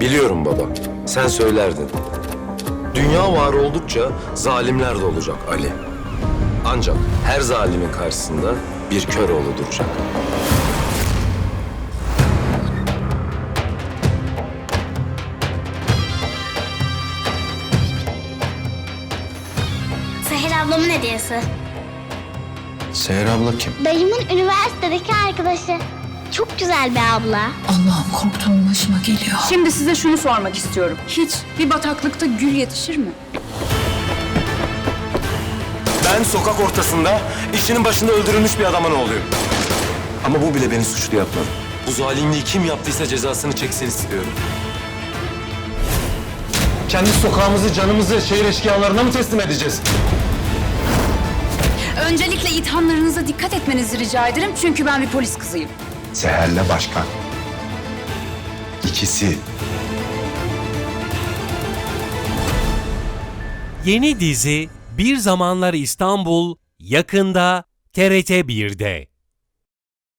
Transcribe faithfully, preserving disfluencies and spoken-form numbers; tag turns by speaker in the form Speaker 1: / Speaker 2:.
Speaker 1: Biliyorum baba, sen söylerdin. Dünya var oldukça zalimler de olacak Ali. Ancak her zalimin karşısında bir Köroğlu duracak.
Speaker 2: Seher ablamın hediyesi.
Speaker 3: Seher abla kim?
Speaker 2: Dayımın üniversitedeki arkadaşı. Çok güzel bir abla.
Speaker 4: Allah'ım korktuğum başıma geliyor.
Speaker 5: Şimdi size şunu sormak istiyorum. Hiç bir bataklıkta gül yetişir mi?
Speaker 1: Ben sokak ortasında işinin başında öldürülmüş bir adamın oğluyum. Ama bu bile beni suçlu yapmadı. Bu zalimliği kim yaptıysa cezasını çeksin istiyorum. Kendi sokağımızı, canımızı şehir eşkıyalarına mı teslim edeceğiz?
Speaker 5: Öncelikle ithamlarınıza dikkat etmenizi rica ederim çünkü ben bir polis kızıyım.
Speaker 3: Seher'le başkan. İkisi.
Speaker 6: Yeni dizi Bir Zamanlar İstanbul yakında T R T bir'de.